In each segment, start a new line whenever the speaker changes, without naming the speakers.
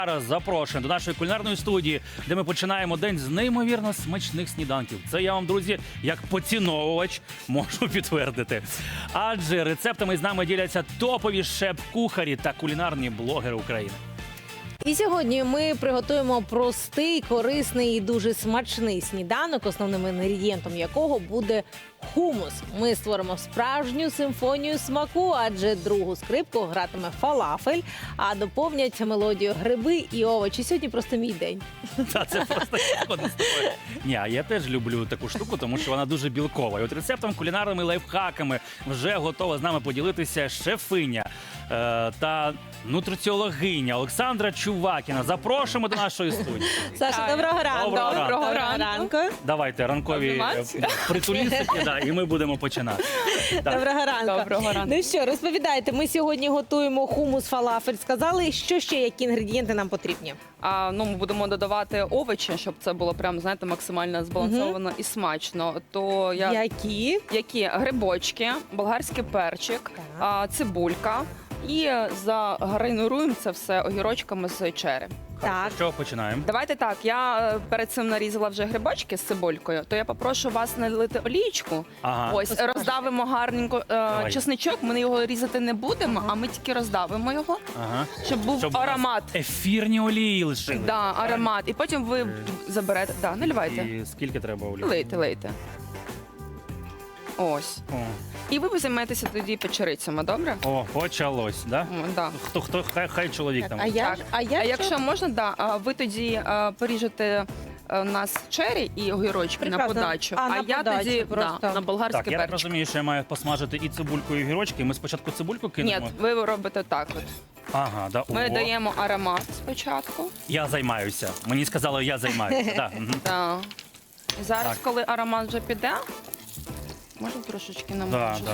Зараз запрошуємо до нашої кулінарної студії, де ми починаємо день з неймовірно смачних сніданків. Це я вам, друзі, як поціновувач можу підтвердити. Адже рецептами з нами діляться топові шеф-кухарі та кулінарні блогери України.
І сьогодні ми приготуємо простий, корисний і дуже смачний сніданок, основним інгредієнтом якого буде хумус. Ми створимо справжню симфонію смаку, адже другу скрипку гратиме фалафель, а доповнять мелодію гриби і овочі. Сьогодні просто мій день.
Та це просто згоден з тобою. Ні, а я теж люблю таку штуку, тому що вона дуже білкова. І от рецептом, кулінарними лайфхаками вже готова з нами поділитися шефиня та нутриціологиня Олександра Чувакіна. Запрошуємо до нашої студії.
Саша, доброго ранку.
Доброго
ранку.
Давайте ранкові притулістики, і ми будемо починати. Так.
Доброго ранку.
Доброго ранку.
Ну що, розповідайте, ми сьогодні готуємо хумус фалафель. Сказали, що ще, які інгредієнти нам потрібні?
Ми будемо додавати овочі, щоб це було прям, знаєте, максимально збалансовано і смачно. То які грибочки, болгарський перчик, цибулька. І загарнируємо це все огірочками з чері.
Так.
Що починаємо?
Давайте так, я перед цим нарізала вже грибочки з цибулькою, то я попрошу вас налити олійку.
Ага.
Ось, роздавимо гарненько чесничок, ми його різати не будемо, а ми тільки роздавимо його,
Ага.
щоб був аромат.
Ефірні олії лишили.
Да, аромат. І потім ви заберете. Да, наливайте.
І скільки треба олії?
Лийте. Ось.
О,
І ви займетеся тоді печерицями, добре?
почалось, да?
Да.
Хто, хай чоловік там.
А я,
Так.
а я
А якщо можна, ви тоді поріжете у нас чері і огірочки на
Прекрасно.
подачу,
А, на
я
подачу
тоді
просто.
на болгарський
Так, я так
перчик.
розумію, що я маю посмажити і цибульку, і огірочки. Ми спочатку цибульку кинемо?
Ні, ви робите так. От.
Ага, да.
Ми
Ого.
даємо аромат спочатку.
Я займаюся. Мені сказали, я займаюся. Да. Мгм.
Да. І зараз,
Так.
коли аромат вже піде, можна трошечки намочити.
Да.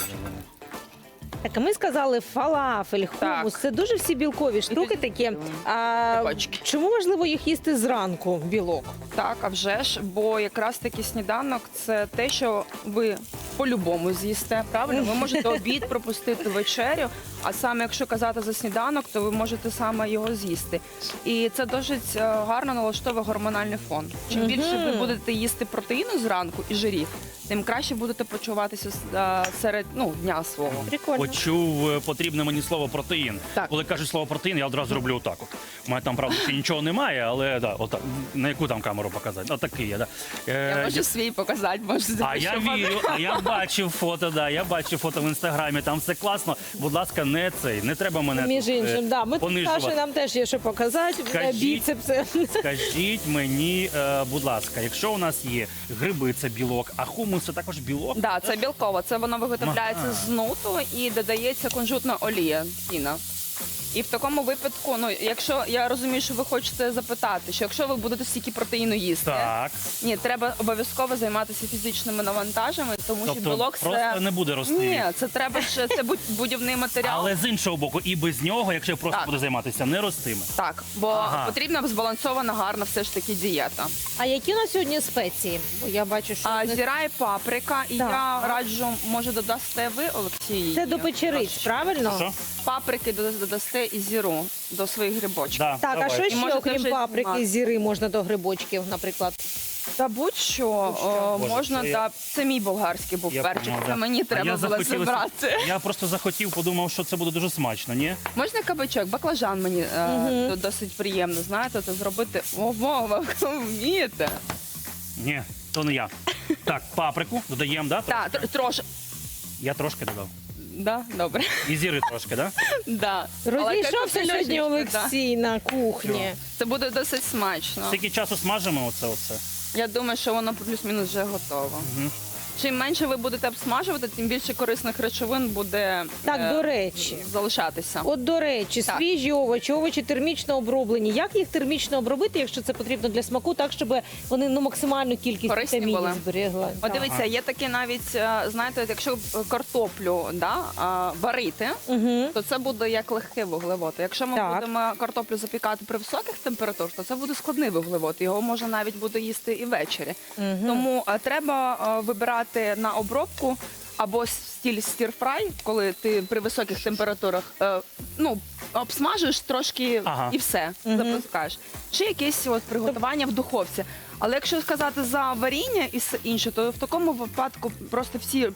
Так, а ми сказали фалафель, хумус.
Так.
Це дуже всі білкові штуки такі.
Бачки.
Чому важливо їх їсти зранку, білок?
Так, а вже ж, бо якраз таки сніданок це те, що ви по-любому з'їсте. Правильно, ви можете обід пропустити, вечерю, а саме якщо казати за сніданок, то ви можете саме його з'їсти. І це досить гарно налаштовує гормональний фон. Чим більше ви будете їсти протеїну зранку і жирів, тим краще будете почуватися серед дня свого.
Прикольно.
Почув потрібне мені слово протеїн.
Так.
Коли кажуть слово протеїн, я одразу роблю отак. От. У мене там, правда, ще нічого немає, але да, отак. На яку там камеру показати? Отакий я, да.
Я можу свій показати, можу
А я вірю, а я бачив фото, я бачив фото в інстаграмі, там все класно. Будь ласка, не треба мене
Між
тут,
іншим, да. Ми тут
понижувати.
Саші, нам теж є що показати.
Скажіть.
Біцепси.
Скажіть мені, будь ласка, якщо у нас є гриби, це білок, а хумус це також білок?
Да, це білково. Це воно виготовляється
Ага.
з нуту і додається кунжутна олія, тіна. І в такому випадку, якщо я розумію, що ви хочете запитати, що якщо ви будете стільки протеїну їсти,
Так.
ні, треба обов'язково займатися фізичними навантажами, тому що
Тобто
білок
просто
це
не буде рости.
ні, це треба ще це будівний матеріал.
Але з іншого боку, і без нього, якщо я просто
Так.
буду займатися, не ростиме.
Так, бо
Ага.
потрібна збалансована, гарна все ж таки дієта.
А які у нас сьогодні спеції? Бо я бачу, що
Зіра і паприка, і
Так.
я раджу, може додасте ви, Олексій?
це до печериць, правильно?
Що?
Паприки додасте і зіру до своїх грибочків.
Да,
Так,
давай.
а що
І
ще,
можете
окрім
вже
паприки,
знімати.
зіри можна до грибочків, наприклад?
Та будь-що
Боже,
можна,
це я-
це мій болгарський був
Я
перчик,
поняв,
це
да.
мені
А
треба
я
було
захотілося-
забрати.
Я просто захотів, подумав, що це буде дуже смачно, ні?
Можна кабачок, баклажан мені досить приємно, знаєте, це зробити. Ого, ви вмієте.
Ні, то не я. Так, паприку додаємо, да?
Так, трошки.
Я трошки додав.
Да, добре.
І зіри трошки, да?
Да. Але
Розійшовся
картопля
сьогодні
лежить, да.
Олексій на кухні.
Це буде досить смачно.
Скільки часу смажимо оце?
Я думаю, що воно плюс-мінус вже готово. Чим менше ви будете обсмажувати, тим більше корисних речовин буде
Так, до речі.
залишатися.
От, до речі,
Так.
свіжі овочі термічно оброблені. Як їх термічно обробити, якщо це потрібно для смаку, так, щоб вони максимальну кількість
Корисні
вітамінів
були.
зберегли?
От
Так.
дивіться, є такі навіть, знаєте, якщо картоплю варити, то це буде як легкий вуглевод. Якщо ми
Так.
будемо картоплю запікати при високих температурах, то це буде складний вуглевод. Його можна навіть буде їсти і ввечері. Тому треба вибирати на обробку або стиль стір-фрай, коли ти при високих температурах обсмажуєш трошки
Ага.
і все, запускаєш. Чи якесь от приготування в духовці. Але якщо сказати за варіння і все інше, то в такому випадку просто всі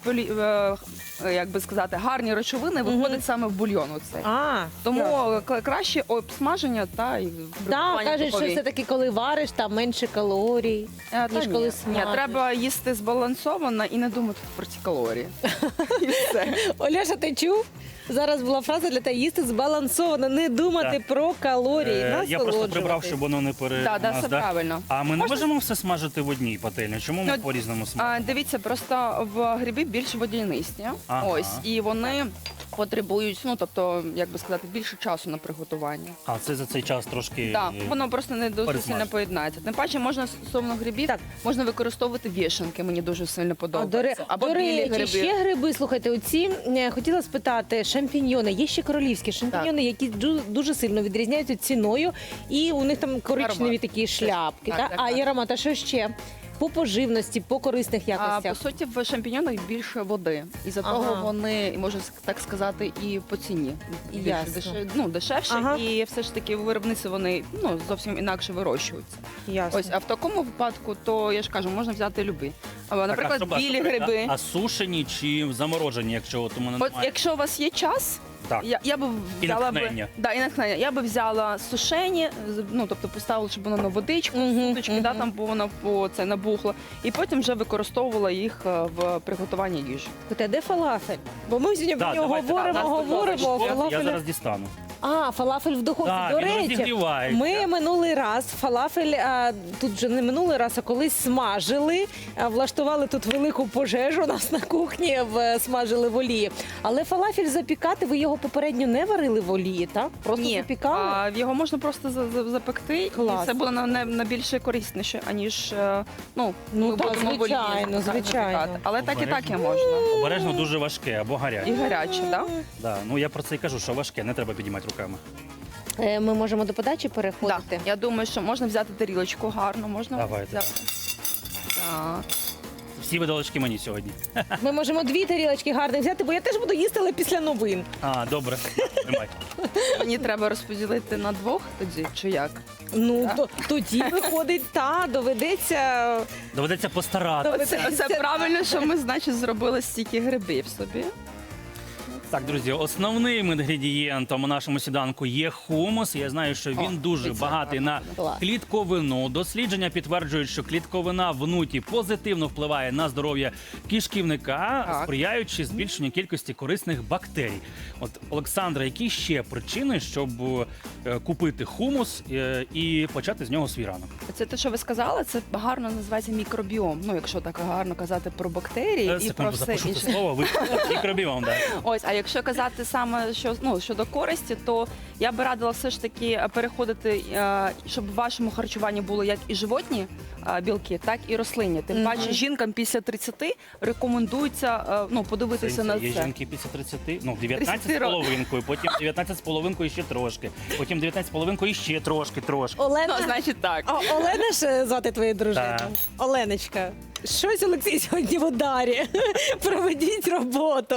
як би сказати, гарні речовини виходять саме в бульйон. Оцей. Тому краще обсмаження та і
Так,
приготування
кажуть, що
духовій.
все-таки коли вариш, там менше калорій, ніж коли
Ні,
смажиш.
треба їсти збалансовано і не думати про ці калорії. І все.
Оляша, ти чув? Зараз була фраза для тебе їсти збалансовано, не думати
Так.
про калорії,
Я просто прибрав,
насолоджуватись.
щоб воно не
Так, все правильно.
А ми не
Можна-
можемо все смажити в одній пательні? Чому ми
Ну,
по-різному смажимо?
Дивіться, просто в гриби більш водянисті.
Ага.
Ось, і вони потребують, тобто, як би сказати, більше часу на приготування.
А це за цей час трошки...
Так, воно просто не дуже
пересмажити.
сильно поєднається. Тим паче можна стосовно грибів,
Так.
можна використовувати вішенки, мені дуже сильно
До
подобається. Або білі
речі,
гриби.
ще гриби, слухайте, оці, хотіла спитати, шампіньйони, є ще королівські шампіньйони, які дуже сильно відрізняються ціною, і у них там коричневі
Аромат.
такі шляпки,
Так, так,
і аромат, а що ще? По поживності, по корисних
А
якостях.
по суті, в шампіньонах більше води. І за того
Ага.
вони, можна так сказати, і по ціні більш
Ясно.
дешевше.
Ага.
І все ж таки в виробництві вони зовсім інакше вирощуються.
Ясно.
Ось, а в такому випадку, то я ж кажу, можна взяти любі. Або,
Так,
наприклад,
а
білі гриби.
А сушені чи заморожені, якщо от у мене
От
немає?
якщо у вас є час,
Так.
я би
І
взяла
натхнення.
і натхнення. Я би взяла сушені, тобто поставила, щоб воно на водичку, суточки, там бо воно набухло, і потім вже використовувала їх в приготуванні їжі.
Слухайте, а де фалафель? Бо ми сьогодні про
Так,
нього
давайте,
говоримо.
Я
Фалафель.
зараз дістану.
Фалафель в духовці.
Так,
До
він
речі,
розігрівається.
ми минулий раз фалафель, тут вже не минулий раз, а колись смажили, влаштували тут велику пожежу у нас на кухні, смажили в олії. Але фалафель запікати, ви його попередньо не варили в олії, так? Просто запікали?
Його можна просто запекти,
Клас.
і це буде на більше корисніше, аніж ми
так,
будемо в олії
звичайно.
запікати. Але так і
Обережно.
можна.
Обережно дуже важке або гаряче.
І гаряче, так?
Да. Ну я про це і кажу, що важке, не треба підіймати руками.
Ми можемо до подачі переходити.
Так. Я думаю, що можна взяти тарілочку гарно, можна
Давайте.
взяти. Так.
Всі видалочки мені сьогодні.
Ми можемо 2 тарілочки гарних взяти, бо я теж буду їсти, але після новин.
Добре, тримай.
Мені треба розподілити на 2 тоді, чи як?
Ну,
Так.
тоді виходить, доведеться.
Доведеться постаратися.
Це правильно, що ми, значить, зробили стільки грибів собі.
Так, друзі, основним інгредієнтом у нашому сніданку є хумус. Я знаю, що він дуже
дивіться,
багатий на
Клас.
клітковину. Дослідження підтверджують, що клітковина в нуті позитивно впливає на здоров'я кишківника,
Так.
сприяючи збільшенню кількості корисних бактерій. От, Олександра, які ще причини, щоб купити хумус і почати з нього свій ранок?
Це те, що ви сказали, це гарно називається мікробіом. Ну, якщо так гарно казати про бактерії і про
Секунду,
все
запишу
інше.
це слово, ви мікробіом, да.
Ось, а якщо казати саме щодо користі, то я би радила все ж таки переходити, щоб в вашому харчуванні було як і животні білки, так і рослинні. Тим паче жінкам після 30 рекомендується подивитися на
Є
це.
жінки після 30, 19 з
30
половинкою, потім 19 з половинкою ще трошки, потім 19 з половинкою ще трошки.
Олена,
Ну, значить так.
Олена ж звати твою дружину?
Так.
Оленочка, щось Олексій сьогодні в ударі. Проведіть роботу.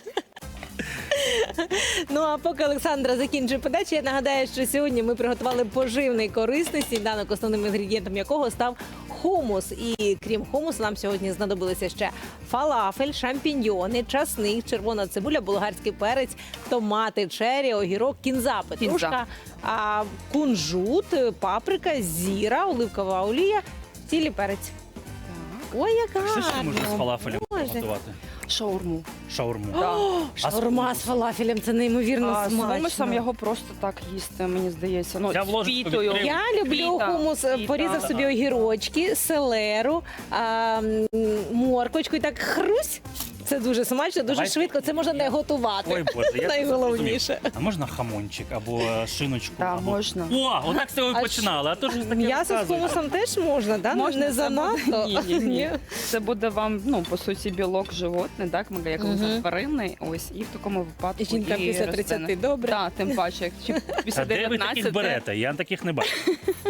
Ну а поки Олександра закінчує подачу, я нагадаю, що сьогодні ми приготували поживний корисний сніданок, основним інгредієнтом якого став хумус. І крім хумусу, нам сьогодні знадобилися ще фалафель, шампіньйони, часник, червона цибуля, болгарський перець, томати, чері, огірок, кінза, петрушка, кунжут, паприка, зіра, оливкова олія, цілий перець. Ой, як
Що ще
гарно.
можна з фалафелем
Боже.
готувати?
Шаурму.
Шаурму.
Шаурма з фалафелем, це неймовірно
З
смачно.
хумусом його просто так їсти, мені здається. Ну,
Я
з
вложу
пітою.
тобі
Я люблю
Фліта.
хумус,
Фліта.
порізав собі огірочки, селеру, морквочку і так хрусь. Це дуже смачно, дуже
Давайте.
швидко. Це можна не готувати.
Ой, Боже, я
Найголовніше.
зрозумів. А можна хамончик або шиночку?
Так,
або...
можна.
О, отак з цього
А
і починали, а то ж таке
М'ясо з
розказують.
хумусом теж можна, да?
Можна,
не
це
занадто.
буде- Ні. Це буде вам, по суті, білок животний, так? Як тваринний. Ось, і в такому випадку.
Жінка
і
після
рослини.
30, добре.
Так, тим паче, як чи після
А де ви
19.
таких берете? Я таких не бачу.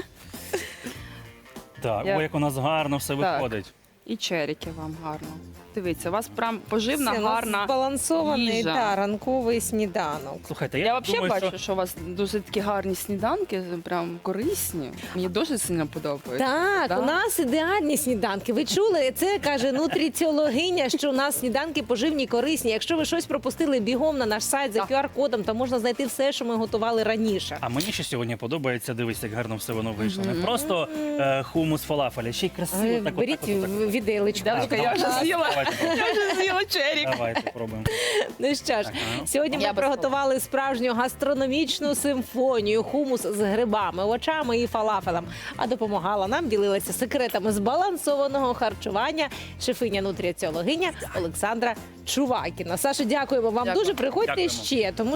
Так,
Я-
ой, як у нас гарно все
Так.
виходить.
І черіки вам гарно. Дивіться, у вас прям поживна,
Це у нас
гарна
збалансований
їжа.
ранковий сніданок.
Слухайте,
Я
я
взагалі
думаю,
бачу, що у вас дуже такі гарні сніданки, прям корисні. Мені дуже сильно подобається.
Так,
Да?
у нас ідеальні сніданки. Ви чули? Це каже нутриціологиня, що у нас сніданки поживні, корисні. Якщо ви щось пропустили, бігом на наш сайт за
Так.
QR-кодом, то можна знайти все, що ми готували раніше.
А мені ще сьогодні подобається, дивись, як гарно все воно вийшло. Не просто хумус фалафеля, ще й красиво. Так,
Беріть віделечку.
Девочка, я вже з'їла.
Давайте,
Я вже з'їла черік.
давайте пробуємо.
Ну що ж,
Так, ага.
сьогодні ми
Я без
приготували справжню гастрономічну симфонію, хумус з грибами, овочами і фалафелем. А допомагала нам, ділилася секретами збалансованого харчування шефиня-нутриціологиня Олександра Чувакіна. Саша, дякуємо вам
Дякую.
дуже. Приходьте
Дякуємо.
ще, тому